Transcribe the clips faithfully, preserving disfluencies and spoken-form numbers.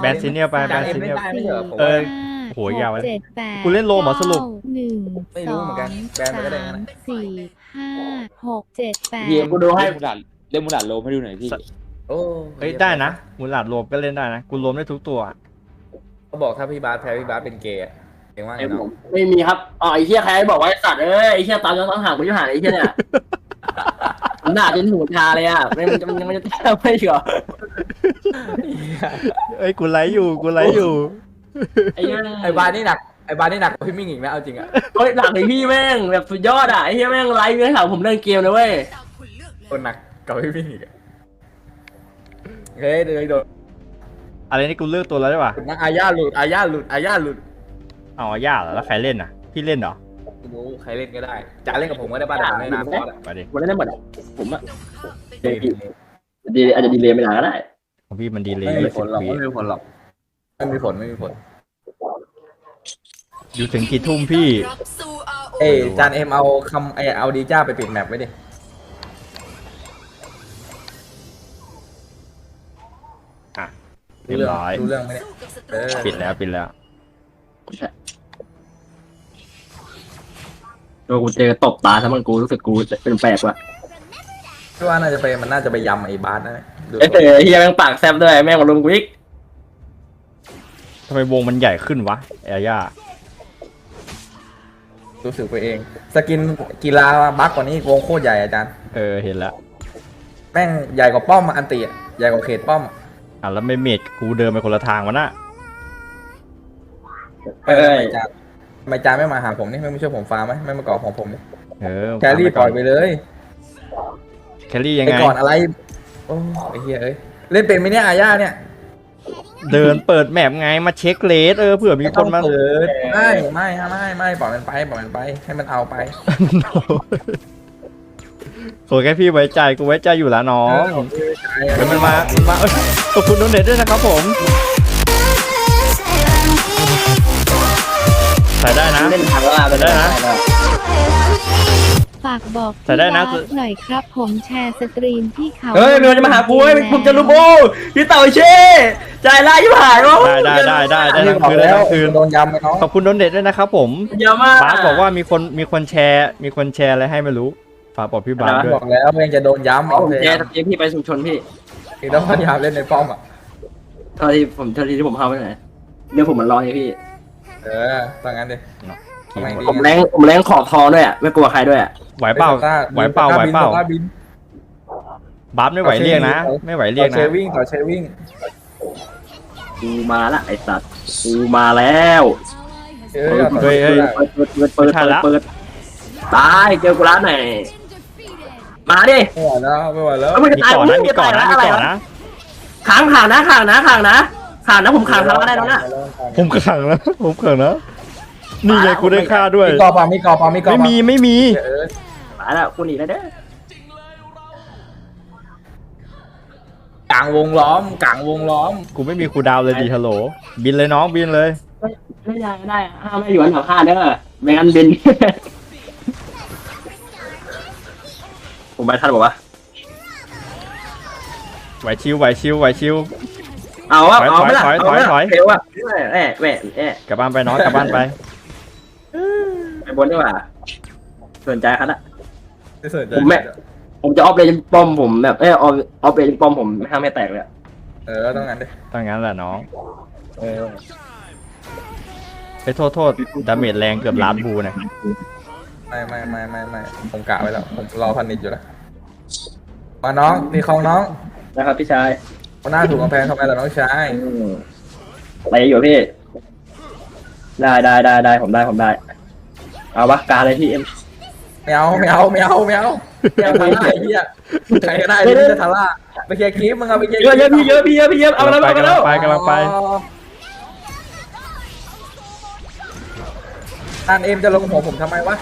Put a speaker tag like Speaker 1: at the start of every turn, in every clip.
Speaker 1: แบนซีเนียไปแบนซีเนียเออโหยาวเลยกูเล่นโลหมอสรุป
Speaker 2: หนึ่ง
Speaker 3: ไม่รู้เหมือนกันแบนไปก็ได้งั้น
Speaker 2: สี่ห้าหกเจ็ดแปด
Speaker 4: เฮียกูดูให้มูลาดเล่นมูลาดโลให้ดูหน่อยพี่
Speaker 3: โอ้
Speaker 1: เฮ้ยได้นะมูลหลาดรวมก็เล่นได้นะกูรวมได้ทุกตัว
Speaker 3: เขาบอกถ้าพี่บาสแพ้พี่บาสเป็นเกย์เองว่าไงเนาะ
Speaker 5: ไม่มีครับอ๋อไอ้เหี้ยใครบอกว่าไอ้สัตว์เอ้ยไอ้เหี้ยตามย้อนต้องห่างกูจะหาไอ้เหี้ยเนี่ยมันด่าจนหูชาเลยอ่ะไม่มันจะมันจะแทบไม่เหรอ
Speaker 1: เอ้ยกูไลฟ์อยู่กูไลฟ์อยู่
Speaker 5: ไอ้เหี้ย
Speaker 3: ไอ้บาสนี่หนักไอ้บาสนี่หนักกว่าพี่มิ่งอีกนะเอาจริงอะ
Speaker 5: เฮ้ยหลังไอ้พี่แม่งแบบสุดยอดอ่ะไอ้เหี้ยแม่งไลฟ์เนื้อหาผมเล่นเกมเลยเว้ย
Speaker 3: คนหนักกว่าพี่มิ่งอีกอะเฮ้ยเดี๋ยวโดน
Speaker 1: อะไรนี่กูเลือกตัวแล้วได้ป่ะ
Speaker 3: นักอาญาหลุดอาญาหลุดอาญาหลุด
Speaker 1: เอาย่าเหรอแล้วใครเล่นอ่ะพี่เล่นเหรอ
Speaker 3: ไม่รู้ใครเล่นก็ได้จะเล่นกับผมก็ได้บ้านแต่ผมไม่นานพอละ
Speaker 1: ไปดิ
Speaker 5: วันนั้นได้หมดอ่ะผมอ่ะดีอาจจะดีเลยไม่นานก็ได้
Speaker 1: ของพี่มันดีเลย
Speaker 3: ไม่มี
Speaker 1: ยี่
Speaker 3: ผ
Speaker 1: สิ
Speaker 3: ล
Speaker 1: บ
Speaker 3: หรอก
Speaker 1: วิ
Speaker 3: ไม่มีผลหรอกไม่มีผลไม่มีผล
Speaker 1: อยู่ถึงกี่ทุ่มพี่
Speaker 3: เอ้ยจานเอ็มเอาคำไอเอาดีจ้าไปปิดแมปไว้ดิ
Speaker 1: อ่ะเรียบร้อย
Speaker 3: รู้เรื่องไหมเนี่ยเออ
Speaker 1: ปิดแล้วปิดแล้ว
Speaker 5: โดนกูเจอตบตาทั้งมันกูรู้สึกกูเป็นแปลกว่ะ
Speaker 3: พี่ว่าน่าจะไปมันน่าจะไปยำไอ้บาสนะดู
Speaker 5: ไอ้เต๋อเฮียแม่งปากแซบด้วยแม่งมาลุมกูอีก
Speaker 1: ทำไมวงมันใหญ่ขึ้นวะแอย่า
Speaker 3: รู้สึกไปเอง สกินกีฬาบัคกว่านี้วงโคตรใหญ่อาจารย์
Speaker 1: เออเห็นแล้ว
Speaker 3: แม่งใหญ่กว่าป้อมอะอันตีอะใหญ่กว่าเขตป้อมอะ
Speaker 1: อ่ะแล้วไม่เมดกูเดินไปคนละทางวะน่ะ
Speaker 5: เอ้ย
Speaker 3: ทำไมจานทำไมจานไม่มาหาผมนี่ไม่มาช่วยผมฟาร์มไหมไม่มาเกาะของผมนี่
Speaker 1: เออ
Speaker 3: แครี่ปล่อยไปเลย
Speaker 1: แครี่ยัง
Speaker 3: ไอ้
Speaker 1: ไง
Speaker 3: ก่อนอะไรโอ้ไอ้เหี้ยเอ้ยเล่นเป็นไหมเนี่ยอาญาเนี่ย
Speaker 1: เดินเปิดแมปไงมาเช็คเลสเออเผื่อมีคนมา
Speaker 3: ไต้องเปิดไม่ไม่ไม่ไม่ปล่อยมันไปปล่อยมันไปให้มันเอาไป
Speaker 1: โอ้แค่พี่ไว้ใจกูไว้ใจอยู่แล้วน้อง
Speaker 3: เออโอเคใจ
Speaker 1: เดี๋ยวมันมามันมาเอ้ยขอบคุณโดเนทด้วยนะครับผมใส่ได้นะ
Speaker 5: เล่นทางแล้ว
Speaker 1: ได้นะ
Speaker 2: ฝากบอก
Speaker 1: ใส่ได้นะ
Speaker 2: พี่บาสหน่อยครับผมแชร์สตรีมที่เขา
Speaker 5: เฮ้ยมันจะมาหากูเฮ้ยมึงจะรู้กูพี่เต่าเช่ใจร้ายยิ่งหายวะ
Speaker 1: ได้ได้ได้ได้ได้ทั้ง
Speaker 3: บอ
Speaker 1: คื
Speaker 3: ก
Speaker 1: นได้
Speaker 3: แล้ว
Speaker 1: ทั้งคืน
Speaker 3: โดนยำไปน้อง
Speaker 1: ขอบคุณโดเนทด้วยนะครับผม
Speaker 5: เยอะมาก
Speaker 1: บาสบอกว่ามีคนมีคนแชร์ มีคนแชร์อะไรให้ไม่รู้ฝากบอกพี่บาสด้วย
Speaker 3: บอกแล้วเพื่อนจะโดนย้ำ
Speaker 5: เอา
Speaker 3: เอา
Speaker 5: ผม
Speaker 3: เลย
Speaker 5: แชร์สตรีมพี่ไปชุมชนพี่
Speaker 3: อีกแล้วพยายามเล่นในป้อมอ่ะ
Speaker 5: เท่าที่ผมเท่าที่ผมเข้าไปไหนเดี๋ยวผมมันรอไงพี่
Speaker 3: เออต้องงั้นดิทำไมดี
Speaker 5: ผมแรงผมแรงขอบทอด้วยอ่ะไม่กลัวใครด้วยอ่ะ
Speaker 1: ไหวเปล่าไหวเปล่าไหวเปล่าบาสไม่ไหวเรียกนะ ไม่ไหวเรียก
Speaker 3: ต่อเช
Speaker 1: นะ
Speaker 3: วิ่งต่อเชวิ่ง
Speaker 5: กูมาละไอ้สัตว์กูมาแล้ว
Speaker 3: เออ
Speaker 1: เฮ้ยเฮ้ย
Speaker 5: เปิดเปิดเปิดเปิดเปิดเปิดตายเจอกูร้านไหนมาดิ
Speaker 3: ไม่ไหวแล้วไม่ไหวแล้ว
Speaker 5: แล้วมึงจะ
Speaker 1: มี
Speaker 5: ตาย
Speaker 1: ก่อนนะ
Speaker 5: มึง
Speaker 1: มี
Speaker 5: จะ
Speaker 1: ก่อ
Speaker 5: ตาน ย
Speaker 1: นะ
Speaker 5: แล้ว
Speaker 1: มี
Speaker 5: อะไร
Speaker 1: ก่อน
Speaker 5: วะ
Speaker 1: นะ
Speaker 5: ขังขังนะขังนะขังนะขังนะผมขังทะเลาะได้แล้วนะ
Speaker 1: ผมขังนะผมขังนะนี่ไงกูได้ค่าด้วย
Speaker 3: มีกอปามีกอปามีกอ
Speaker 1: ไม่มีไม่มี
Speaker 3: เออ
Speaker 5: มาแล้วกูหนีแล้วเด้อก
Speaker 3: ลางวงล้อมกลางวงล้อม
Speaker 1: กูไม่มีครูดาวเลยดีฮัลโหลบินเลยน้องบินเลย
Speaker 5: ไม่ได้ไม่ได้ห้ามไม่อยู่อันดับห้าเด้อไม่งั้นบินผมไปทันบอกว่า
Speaker 1: ไหวชิวไหวชิวไหวชิว
Speaker 5: เอาวะ
Speaker 1: ถอย
Speaker 5: เอาไม่ละ
Speaker 1: ถอย
Speaker 5: เอาไม่ละ
Speaker 1: ถอย
Speaker 5: เร็วอ่ะแหม่แหม่แหม่
Speaker 1: กลับบ้านไปน้องกลับบ้านไป
Speaker 5: ไปบนดีกว่าสนใจครับอ่ะ
Speaker 3: ไม่สนใจ
Speaker 5: ผมแม่ ผมจะออฟเลนป้อมผมแบบเออออฟออฟเลนป้อมผมไม่ห้ามไม่แตกเลย
Speaker 3: เออต้องงั้นดิ
Speaker 1: ถ้างั้นแหละน้อง
Speaker 3: เออ
Speaker 1: ไปโทษโทษดาเมจแรงเกือบล้านบูนะ
Speaker 3: ไม่ไม่ไม่ไม่ไม่ผมกะไว้แล้วผมรอพันนิดอยู่แล้วมาน้องมีของน้อง
Speaker 5: นะครับพี่ชาย
Speaker 3: คนหน้าถูกกำแพงทำไมล่ะน้องชาย
Speaker 5: อะไรอยู่พี่ได้ได้ได้ได้ผมได้ผมได้เอาวะกาเลยพี่เอ็ม
Speaker 3: ไม่เอาไม่เอาไม่เอาไม่เอาไม่เอาทาร่าไอ้เหี้ยใครก็ได้ที่จะทาร่าไปเคลียร์คลิปมึงเอาไปเคลียร์
Speaker 5: เยอะเยอะพี่เยอะพี่เยอะพี่เยอะเอาแล้วเอาแล้ว
Speaker 1: ไปกำลังไป
Speaker 3: ท่านเอ็มจะลงหัวผมทำไมวะ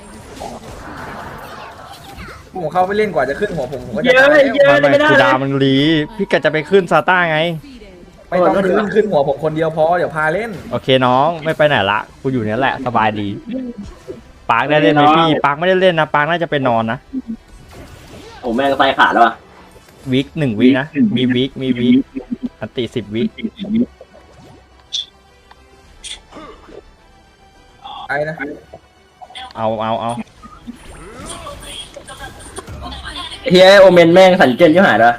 Speaker 3: ผมเข้าไปเล่นกว่าจะขึ้นหัวผมผมก็
Speaker 5: เย
Speaker 3: จะ
Speaker 5: อะ
Speaker 3: ตาย
Speaker 5: เยอะ
Speaker 1: ไม่
Speaker 5: ไม่ได้
Speaker 1: ครูดาวมันรีพี่กะจะไปขึ้นซาต้าไง
Speaker 3: ไม่ต้องขึ้นขึ้นหัวผมคนเดียวพอเดี๋ยวพาเล่น
Speaker 1: โอเคน้องไม่ไปไหนละกูอยู่เนี้ยแหละสบายดีปาร์คได้เล่นไหมพี่ปาร์คไม่ได้เล่นนะปาร์คน่าจะไปนอนนะ
Speaker 5: ผมแม่งไตขาดแล้วอ่ะ
Speaker 1: วิกหนึ่งวินะมีวิกมีวิกอันติสิบวิ
Speaker 3: ไปนะ
Speaker 1: เอาเอาเอา
Speaker 5: เฮียโอเมนแม่งสันเจนยิ่งหายละ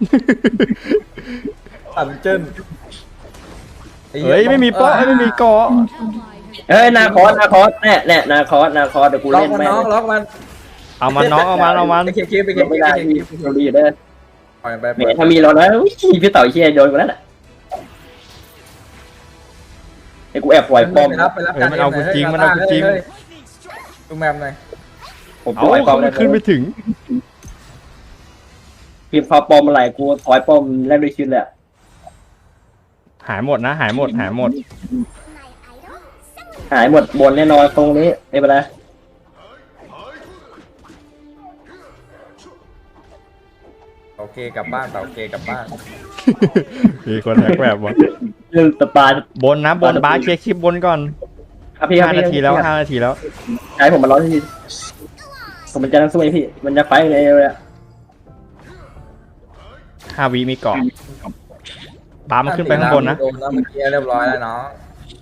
Speaker 3: ตันเจิ้น
Speaker 1: เฮ้ยไม่มีเป้อไม่มีเกาะ
Speaker 5: เฮ้ยนาคอสนาคอสแน่แน่นาคอสนาคอสเดี๋ยวกู
Speaker 3: ล็อก
Speaker 5: เล่น
Speaker 3: มัน
Speaker 5: แม่ง
Speaker 3: น้องล็อกมัน
Speaker 1: เอามันน้องเอามันเอามัน
Speaker 3: ไปเคลียร์คลิปไปเคลียร์คลิ
Speaker 5: ไม่
Speaker 3: ป
Speaker 5: ได้
Speaker 3: ไปเคลียร์ค
Speaker 5: พี่
Speaker 3: ลิป
Speaker 5: เราดีอยู่เด้อ
Speaker 3: ปล่อยไป
Speaker 5: แหมถ้ามีเรานะอุ๊ยพี่เต่าเชี่ยโดนกูแล้วน่ะไอ้กูแอบปล่อยป้อม
Speaker 3: ไปรับไปรับ
Speaker 1: เฮ้ยมันเอากูจริงมันเอากูจริง
Speaker 3: ดูแมมหน่อย
Speaker 5: ผมป
Speaker 1: เอา
Speaker 5: ล่อยป้อม
Speaker 1: เขาไม่ขึ้นไปถึง
Speaker 5: พี่พอป้อมอะไรกูถอยป้อมแลกด้วยชีวิตเลยอะ
Speaker 1: หายหมดนะหายหมดหายหมด
Speaker 5: หายหมดบนแน่นอนตรงนี้ไม่เป็นไร
Speaker 3: โอเคกลับบ้านเต่าโอเคกลับบ้าน
Speaker 1: มีคนแฮกแบบว่า
Speaker 5: เรื่องตะปา
Speaker 1: บนนะบนบาสเคลียร์คลิปบนก่อน
Speaker 5: ครับพี่ครับ
Speaker 1: ห้า
Speaker 5: พี่
Speaker 1: นาทีแล้วห้านาทีแล้ว
Speaker 5: ใช้ผมมาร้อยทีผมมันจะนั่งสู้ไอ้พี่มันจะไฟเลยเลยอะ
Speaker 1: ห้าวิมีเกาะบาสมันขึ้นไปข้างบนนะ
Speaker 3: โดนแล้วเมื่อกี้เรียบร้อยแล้วเนาะ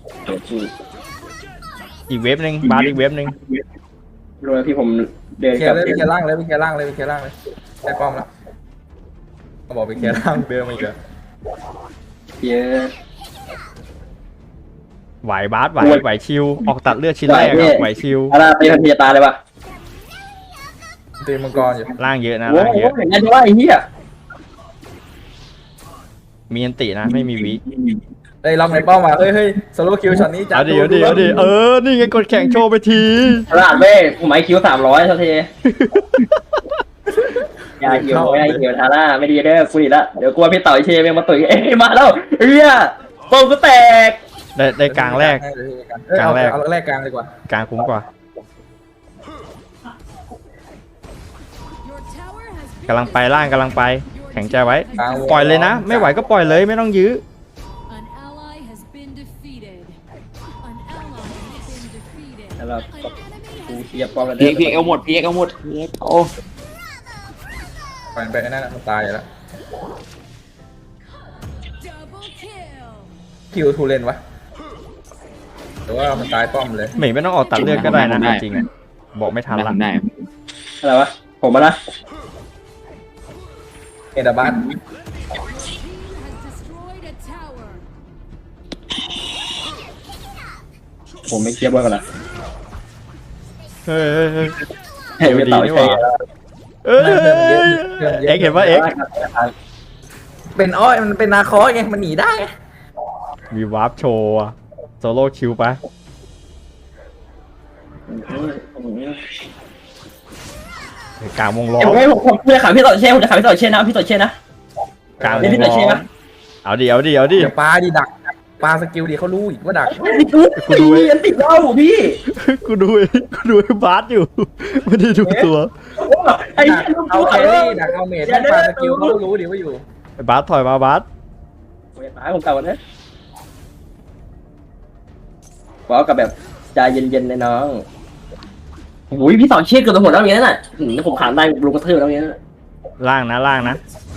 Speaker 1: อีกเว็บหนึ่งบาสอีกเว็บหนึ่ง
Speaker 5: รู้ไหมพี่ผมเดิน
Speaker 3: เคลี
Speaker 5: ก
Speaker 3: ย
Speaker 5: ลับ
Speaker 3: ร์เลยไปเคลียร์ล่างเลยไปเคลียร์ล่างเลยไปเคลียร์ล่างเลยได้ป้อมแล้วเขาบอกไปเคลียร์ล่างเดินมาอีกแล้ว
Speaker 5: เยอะ
Speaker 1: ไหวบาสไหวไหวชิวออกตัดเลือดชิ้นแรกอะไหวชิว
Speaker 5: อะไรไปทันทีตาเลยปะ
Speaker 3: ตีมังกรอยู่
Speaker 1: ล่างเยอะนะ
Speaker 5: โอ้
Speaker 1: ล่าง
Speaker 5: โห
Speaker 1: เยอะ
Speaker 5: อย่างนั้นว่าไอ้เหี้ย
Speaker 1: มีอันตินะไม่มีวิ
Speaker 3: เฮ้ยล็อกในป้อมมาเฮ้ยเฮ้ยโซโล่คิวช็อตนี้จั
Speaker 1: เอาดิเอาดิเอาดิเออนี่ไงกดแข่งโชว์ไปที
Speaker 5: ตลาดเว้ยผมไอคิวสามร้อยเท่าทียาคิวไม่ได้คิวทาร่าไม่ดีเด้อคุยละเดี๋ยวกลัวพี่ต่อยเชยยังมาตุ๋ยเอ้ยมาแล้วเฮียป้อมก็แตก
Speaker 1: ได้ได้กลางแรก
Speaker 3: กลางแรก
Speaker 1: กลางแรก
Speaker 3: เอาแรกกลางดีกว่าก
Speaker 1: ลางคุ้มกว่า กำลังไปล่างกำลังไป แข็งใจไว้
Speaker 3: กลางวง
Speaker 1: ปล่อยเลยนะ ไม่ไหวก็ปล่อยเลยไม่ต้องยื้อ
Speaker 6: An ally has been defeated. An ally has been defeated.
Speaker 5: แล้วเรา
Speaker 6: An enemy
Speaker 5: กู
Speaker 6: has
Speaker 5: เชียร์ป้อมแล้ว
Speaker 4: พีเอ็กพีเอ็กเอาหมดพีเอ็กเอาหมดพีเอ็กโอ้
Speaker 3: ปล่อยไปไอ้นั่นน่ะมันตายอยู่แล้ว
Speaker 6: double kill.
Speaker 3: คิวทูเลนวะแต่ว่ามันตายป้อมเลย
Speaker 1: ไม่ไม่ต้องออกตัดเลือดก็ได้นะจริงๆอะบอกไม่ทันละ
Speaker 4: ทำได้
Speaker 5: อะไรวะผมมาละ
Speaker 3: เอดาบัส
Speaker 6: Team has destroyed a tower.
Speaker 5: ผมไม่เชียร์บอลกันละ
Speaker 1: เฮ้ยเฮ้ยเฮ้ย
Speaker 5: เฮ้ยพี่ต่อยเชย
Speaker 1: เอ้ยเอ็กซ์เห็นว่าเอ็กซ์
Speaker 3: เป็นอ้อยมันเป็นนาคอสไงมันหนีได้ไง
Speaker 1: มีวาร์ปโชว์อะโซโล่คิวไปกลางวงล้อ
Speaker 5: เดี๋ยว
Speaker 1: ม
Speaker 5: ไม่ผมผมจะขายพี่ต่อยเชยผมจะขายพี่ต่อยเชยนะพี่ต่อยเชยนะ
Speaker 1: กลางว
Speaker 5: เดี๋ยว
Speaker 1: ง
Speaker 5: พี่ต่อย
Speaker 1: ล้
Speaker 5: เช
Speaker 1: อย ม
Speaker 5: นะ
Speaker 1: เอาดิเอาดิเอาดิ
Speaker 3: เดี๋ยวปลาดิดักปลาสกิลดิเขารู้อีกว่าดัก
Speaker 5: ติดกูตียันติดเหล้าพี่
Speaker 1: กูดูกูดูไอ้บาสอยู่ไม่ได้ดูตัว
Speaker 5: ไอ้
Speaker 3: ดักเอาแครี่ดักเอาเมจให้ปลาสกิลเขาก็รู้ดิว่าอยู่
Speaker 1: ไอ้บาสถอยมาบาส
Speaker 5: ตายผมเก่าเนี่ยบอกกับแบบใจเย็นๆเลยน้องโอ้ยพี่สอนเชี่ยเกือบจะหมดแล้วอย่างนี้น่ะผมขานได้ลงกระเทือแล้วอย่างนี้
Speaker 1: ล่างนะล่างนะ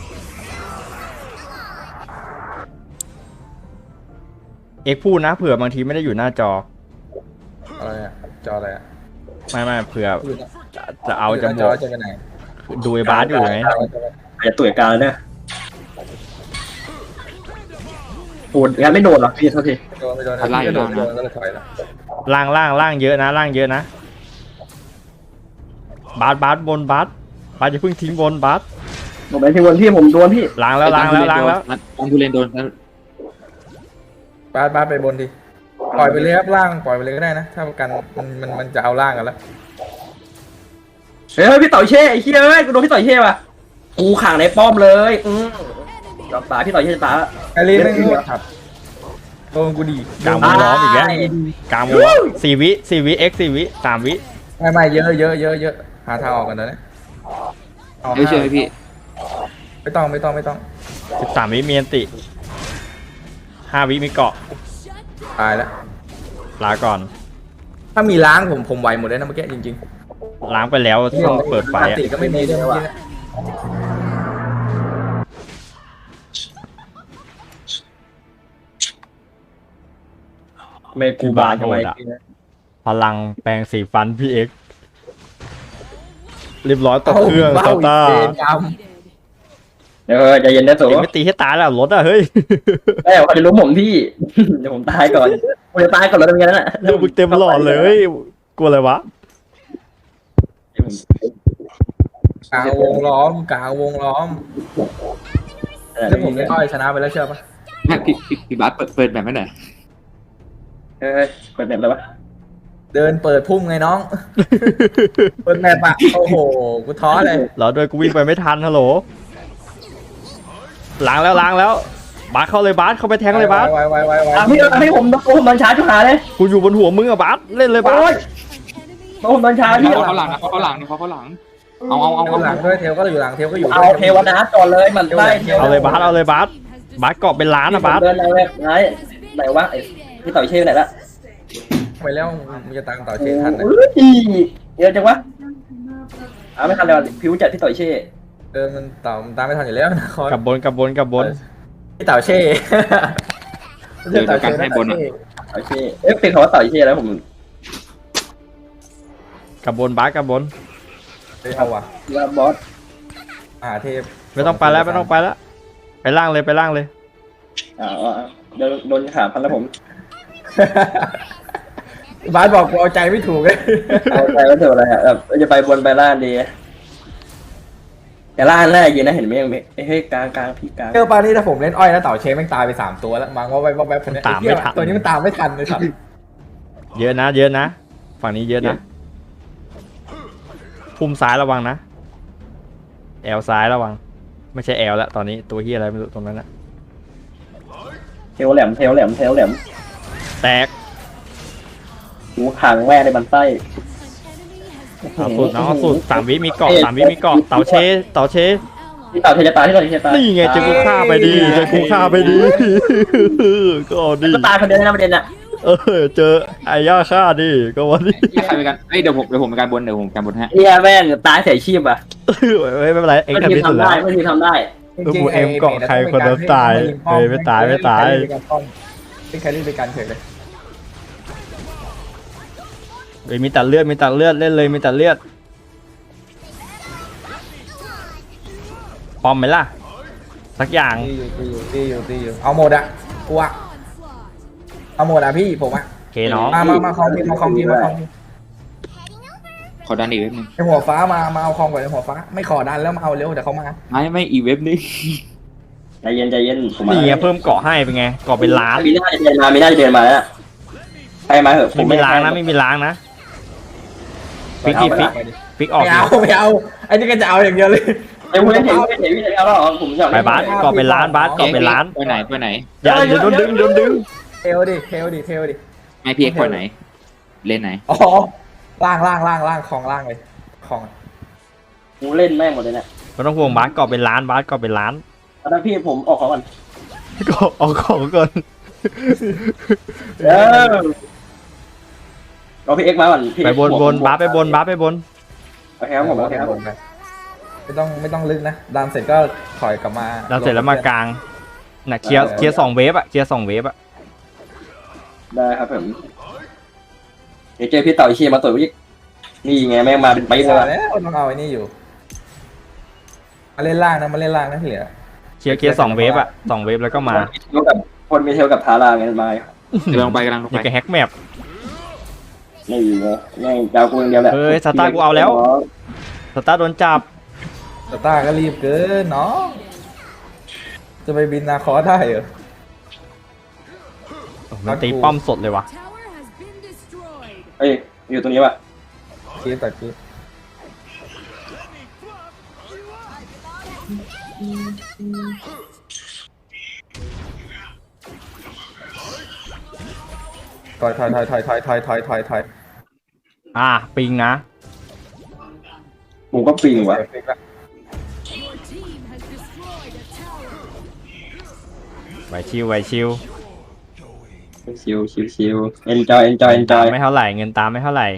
Speaker 1: เอ็กซ์พูดนะเผื่อบางทีไม่ได้อยู่หน้าจอ
Speaker 3: อะไรอะจออะไรอะ
Speaker 1: ไม่ไม่เผื่อ
Speaker 3: อยู่นะ
Speaker 1: จะจะเอาจะ
Speaker 3: ยู่ห
Speaker 1: บ
Speaker 3: น้
Speaker 1: อก
Speaker 3: จอจะไปไหน
Speaker 1: ดูไอ้บาสอยู่ไง
Speaker 5: อาจจะตุ๋ยกลางเลยเนี่ยโหดงั้นไม่โดนหรอพี่เท่าที
Speaker 3: โดนไปโดนไม่โดนโดนก็เลยถอยละ
Speaker 1: ล่างล่างล่างเยอะนะล่างเยอะนะบาสบาสบนบาสบาสอย่าเพิ่งทิ้งบนบาส
Speaker 5: ผมไปที่วนพี่ผมโดนพี่
Speaker 1: ล้างแล้วล้างแล้วล้างแล้ว
Speaker 4: ต้องทุเรนโดน
Speaker 3: ปลาปลาไปบนดิปล่อยไปเลยครับล่างปล่อยไปเลยก็ได้นะถ้าประกันมันมันมันจะเอาล่างกันแล้ว
Speaker 5: เฮ้ยพี่ต่อยเช่ไอ้เชี่ยเอ้ยกูโดนพี่ต่อยเช่ว่ะกูขังในป้อมเลยอืมยอมตายพี่ต่อยเช่ตาย
Speaker 3: ไอรีนไม่รู้ครับโดนกูดี
Speaker 1: กลางวงล้อมอีกแล้วกลางวงล้อมสี่วิสี่วิเอ็กสี่วิสามวิ
Speaker 3: ไม่ไม่เยอะเยอะเยอะเยอะหาทางออกกันนะเอา
Speaker 4: เดี๋ยวช่วยพี่
Speaker 3: ไม่ต้องไม่ต้องไม่ต้อง
Speaker 1: สิบสามวิมีอันติห้าวิมีเกาะ
Speaker 3: ตายแล้ว
Speaker 1: ลาก่อน
Speaker 3: ถ้ามีล้างผมผมไหวหมดเลยนะเมื่อกี้จริง
Speaker 1: ล้างไปแล้ว
Speaker 3: ๆ
Speaker 1: ต้องเปิดไฟ
Speaker 3: ปก
Speaker 1: อะ
Speaker 3: ติก็ไม่มีด้วยเมื่อกี้นะ
Speaker 5: ไม่กูบานทำไม
Speaker 1: พลังแปลงสีฟันพี่เอ็กซ์เรียบร้อยตกเครื่อง
Speaker 3: เบ้า
Speaker 1: ซา
Speaker 3: อีก
Speaker 1: ต้า
Speaker 3: เกมกรรม
Speaker 5: เดี๋ยวใจเย็นนะสู
Speaker 1: เอ็งไม่ตีให้ตายแล้วรถอะเฮ้ย
Speaker 5: เอ้ยเขาจะรู้ผมพี่ เดี๋ยวผมตายก่อนผมจะตายก่อนแล้วเป็นไงนั่นแหละ
Speaker 1: ดูมึงเต็มหลอดเลยกลัวอะไรวะ
Speaker 3: กลางวงล้อมกลางวงล้อมแล้วผมไม่ค่อยชนะไปแล้วเชื่อปะ
Speaker 4: แม่พี่พี่พี่บาสเปิดเปิดแบบไม่หน่อย
Speaker 5: เออเปิดแบบอะไรวะ
Speaker 3: เดินเปิดพุ่มไงน้อง เปิดแมปอะโอ้โหกูท้อเลย
Speaker 1: เหรอด้วยกูวิ่งไปไม่ทันฮัลโหลล้างแล้วล้างแล้วบาสเข้าเลยบาสเข้าไปแทงเลยบาส
Speaker 3: ไวไวไวไว
Speaker 5: อ่ะพี่พี่ผมผมโดนชาร์จจุฬาเลย
Speaker 1: กูอยู่บนหัวมึงอะบาสเล่นเลยบาส
Speaker 5: โอ้ยผมโดนชาร์จพี่
Speaker 4: เขาเขาหลังนะเขาเขาหลังเขาเขาหลังเอาเอาเอา
Speaker 3: เอา
Speaker 4: เอา
Speaker 3: หลังด้วยเทลก็อยู่หลังเทลก็อยู่
Speaker 5: เอาเทวนาก่อนเลยมันได้เทว
Speaker 1: เอาเลยบาสเอาเลยบาสบาสเกาะเป็นล้านอะบาส
Speaker 5: เดินไหนไหนไหนวะไอ้พี่ต่อยเช่ไหนละ
Speaker 3: ไปแล้วมึงจะตามต่อเชนทันนะ
Speaker 5: อุ้ยเยอะจังวะอ่าไม่ทันเลยผิวจัดพี่ต่อยเช่
Speaker 3: เออมันต่อมันตามไม่ทันอยู่แล้วนะคอย
Speaker 1: กับบนกับบนกับบน
Speaker 3: พี่เต่าเช่
Speaker 4: เดี๋ยวเดี๋ยวการให้บนอ่ะ
Speaker 5: ต่อยเช่เอ๊ะเป็นคำว่าต่อยเช่แล้วผม
Speaker 1: กับบนบาสกับบน
Speaker 3: เฮ้ยเอาว่ะ
Speaker 5: ว่าบอส
Speaker 3: อ่าเทพ
Speaker 1: ไม่ต้องไปแล้วไม่ต้องไปแล้วไปล่างเลยไปล่างเลย
Speaker 5: อ่าโดนโดนขาพันแล้วผม
Speaker 3: บาสบอกกูเอาใจไม่ถูกเลย
Speaker 5: เอาใจว่าเถอะอะไรอ่ะแบบจะไปบนไปล่างดีแต่ล่างแรกยืนนะเห็นไหมยังเฮ้ยกลางกลางพี่กลาง
Speaker 3: เออปานี่ถ้าผมเล่นอ้อยแล้วเต่าเชฟแม่งตายไปสามตัวแล้วมังว่าไปว่าแบบคนนี้ตัวนี้มันตามไม่ทันเลยครับ
Speaker 1: เยอะนะเยอะนะฝั่งนี้เยอะนะพุ่มซ้ายระวังนะแอลซ้ายระวัง ไม่ใช่แอลแล้วตอนนี้ตัวเฮียอะไรไม่รู้ตรงนั้นนะ
Speaker 5: เทวแหลมเทวแหลมเทวแหลม
Speaker 1: แตก
Speaker 5: หูขางแม่ในบันไส้
Speaker 1: เอาสุดเนาะเอาสุดสามวิมีเกาะสามวิมีเกาะเต่าเชเต่าเช
Speaker 5: ที่ต่อเทจะตายที่ต่อเทจะตาย
Speaker 1: นี่ไงเจะกูฆ่าไปดีเจะกูฆ่าไปดี ก็เอาดี
Speaker 5: ก็ตายคนเดียวนะประเด็นอ่ะ
Speaker 1: เออเจอไอ้ย่าฆ่าดิก็วันนี้
Speaker 4: ใครไปกันเอ้ยเดี๋ยวผมเดี๋ยวผมไปการบนเดี๋ยวผมการบนฮะ
Speaker 5: เฮียแม่งตายใส่ชีพอ่ะ
Speaker 1: ไม่เป็นไรเอ็ง
Speaker 5: ไม่
Speaker 1: ทำ
Speaker 5: ที
Speaker 1: ที่สุด
Speaker 5: ทำ
Speaker 1: แล้
Speaker 5: ได้
Speaker 1: ว
Speaker 5: ไม่ทีทำได้
Speaker 1: เออกูเอ็มเกาะใครคนนั้นตายเฮ้ยไม่ตายไม่ตาย
Speaker 3: เป็นใครเล่นเป็นการเฉยเลย
Speaker 1: เฮ้ยมีตัดเลือดมีตัดเลือดเล่นเลยมีตัดเลือดปอมไหมล่ะสักอย่าง
Speaker 3: ตีอยู่ตีอยู่ตีอยู่ตีอยู่เอาหมดอะกูอะเอาหมดอะพี่ผมอะ
Speaker 1: โอเคน้อง
Speaker 3: มามามาคอมทีมาคอมทีมาคอมที
Speaker 4: ขอดันอีกเว็บนึง
Speaker 3: ไอหัวฟ้ามามาเอาคอมก่อนไอหัวฟ้าไม่ขอดันแล้วมาเอาเร็วเดี๋ยวเขามา
Speaker 4: ไม่ไม่อีกเว็บนึง
Speaker 5: ใจเย็นใจเย็นผม
Speaker 1: นี่ไงเพิ่มเกาะให้เป็นไงเกาะเป็นล้าน
Speaker 5: มีหน้าจะเดินมามีหน้าจะเดินมาแล้วใครมาเหอะ
Speaker 1: ไม่มีล้างนะไม่มีล้างนะฟิกดิฟิกฟิกออก
Speaker 3: ไม่เอาไม่เอาไอ้นี่ก็จะเอาอย่างเดียวเลย
Speaker 5: ไอ้เว้ยเห็นเห็นเห็นเห็นแล้วผมอยาก
Speaker 1: ไปบาสเกาะเป็นล้านบาสเกาะเป็นล้าน
Speaker 4: ไปไหนไปไหน
Speaker 1: อย่าอย่าโดนดึงโดนดึง
Speaker 3: เทลดิเทลดิเทลดิ
Speaker 4: ไม่พี่เอ็กซ์ไปไหน เล่นไหน
Speaker 3: อ๋อล่างล่างล่างล่างของล่างเลยของ
Speaker 5: กูเล่นแม่งหมดเลยเนี่ย
Speaker 1: ไม่ต้องห่วงบาสเกาะเป็นล้านบาสเกาะเป็นล้าน
Speaker 5: แล้วพี่ผมออกของก่อน
Speaker 1: เกาะเอาของก่อน
Speaker 5: เออเราพี่เอ็กมาก่อน
Speaker 1: ไปบนบนบาสไปบนบาสไปบน
Speaker 5: โอเคครับผมโอเคครับผม
Speaker 3: ไม่ต้องไม่ต้องลึกนะดันเสร็จก็ถอยกลับมา
Speaker 1: เราเสร็จแล้วมากลางน่ะเคลียร์เคลียร์สองเวฟอะเคลียร์สองเวฟอะ
Speaker 5: ได้ครับผมเดี๋ยวเจอพี่ต่ออีเชียมาต่อยพี่นี่ไงแม่งมาเป็นไปเลย
Speaker 3: แล้วต้องเอาไอ้นี่อยู่มาเล่นล่างนะมาเล่นล่างนะที่เหลือ
Speaker 1: เคลียร์เคลียร์สองเวฟอะสองเวฟแล้วก็มา
Speaker 5: เทลกับคนมีเทลกับทาราไงมาก
Speaker 4: ำลังไปกำลังลง
Speaker 1: นี่
Speaker 4: ไป
Speaker 1: ก็แฮกแมป
Speaker 5: นี่ไงแม่งดาวกูอย่างเดียวแหละ
Speaker 1: เฮ้ยสตาร์กูเอาแล้ว สตาร์โดนจับ
Speaker 3: สตาร์ก็รีบเกินเนาะจะไปบินนาคอได้เหรอ
Speaker 1: มันตีป้อมสดเลยวะ
Speaker 6: Tower has been destroyed.
Speaker 5: เฮ้ยอยู่ตรงนี้ว่ะ
Speaker 3: คีบตัดคีบถอยถอยถอยถอยถอยถอยถอยถอยถอย
Speaker 1: อ่าปิงนะ
Speaker 5: กูก็ปิงว่ะ
Speaker 6: Your team has destroyed a tower.
Speaker 1: ไหวชิวไหวชิว
Speaker 5: ชิวชิวชิว enjoy enjoy
Speaker 1: เงินตาม
Speaker 5: enjoy
Speaker 1: ไม่เท่าไหร่เงินตามไม่เท่าไหร่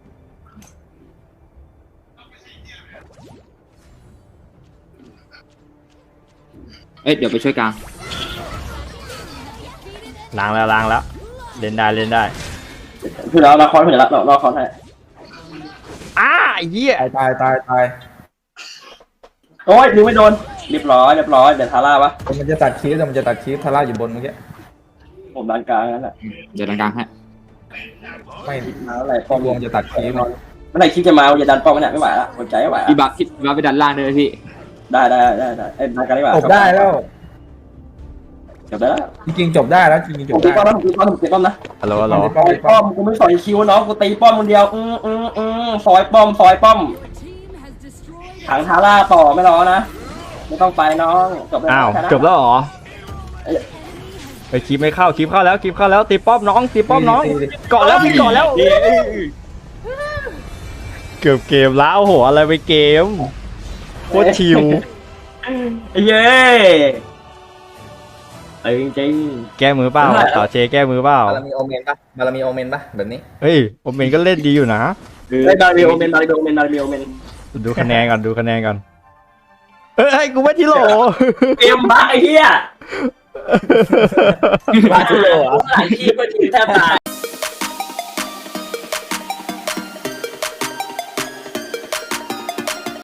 Speaker 4: เอ้ยเดี๋ยวไปช่วยกลาง
Speaker 1: ล้างแล้วล้างแล้วเล่นได้เล่นได้
Speaker 5: คือเราเราคอนเผื่อละเราเราคอนให้
Speaker 1: อ้าไอ้เหี้ย
Speaker 3: ตายตายตายตาย
Speaker 5: โอ้ยดึงไม่โดนเรียบร้อยเรียบร้อยเดี๋ยวทาร่าปะ
Speaker 3: มันจะตัดคลิปแต่มันจะตัดคลิปทาร่าอยู่บนเมื่อกี้
Speaker 5: ผมดันกลางนั่นแหละ
Speaker 4: เดี๋ยวกลางๆฮะ
Speaker 3: ไม่
Speaker 5: มาอะไร
Speaker 3: พอรวมจะตัดคลิป
Speaker 5: เมื่อไหร่คิดจะมาอย่าดันป้อมมันเนี่ยไม่ไหวละอดใจไม่ไหว
Speaker 4: พี่บัฟพี่บัฟไปดันล่างเลยพี่
Speaker 5: ได้ได้ได้ได้เอ้ยดันกันดีกว่า
Speaker 3: จบได้แล้ว
Speaker 5: จบได้แล้ว
Speaker 3: จริงๆจบได้แล้วจริงๆจ
Speaker 5: ผม
Speaker 3: บ
Speaker 5: ตี
Speaker 3: ได้
Speaker 5: ป้อมนะผมตีป้อมผมตีป้อมนะ
Speaker 1: ฮัลโหลฮัลโหล
Speaker 5: ซอยป้อมกูไม่สอยคิวน้องกูตีป้อมคนเดียวอืมอืมอืมซอยป้อมซอยป้อม
Speaker 6: Team has destroyed
Speaker 5: ถังทาร่าต่อไม่รอนะไม่ต้องไปน้องจบแล้ว
Speaker 1: อ้าว
Speaker 5: ชนะ
Speaker 1: จบแล้วเหรอไปคลิปไม่เข้าคลิปเข้าแล้วคลิปเข้าแล้วตีป้อมน้องตีป้อมน้องเกาะแล้วพี่เกาะแล้วเกือบเกมแล้วโอ้โหอะไรไปเกมโคตรชิว
Speaker 5: ไอ้เย้ไอ้จริง
Speaker 1: แก้มือเปล่าต่อเชแก้มือเปล่า
Speaker 3: บารมีโอเมนปะบารมีโอเมนปะแบบนี้
Speaker 1: เฮ้ยโอเมนก็เล่นดีอยู่นะ
Speaker 5: ๆไอ้บาริโอเมนบาริโอเมนบาริโอเมน
Speaker 1: ดูคะแนนก่อนดูคะแนนก่อนเอ้ยกูไม่ทิโหล
Speaker 5: เกมบ้าไอ้เหี้ย
Speaker 3: บาชิโร่เหรอ
Speaker 5: หลายทีมก็ทีมแทบตาย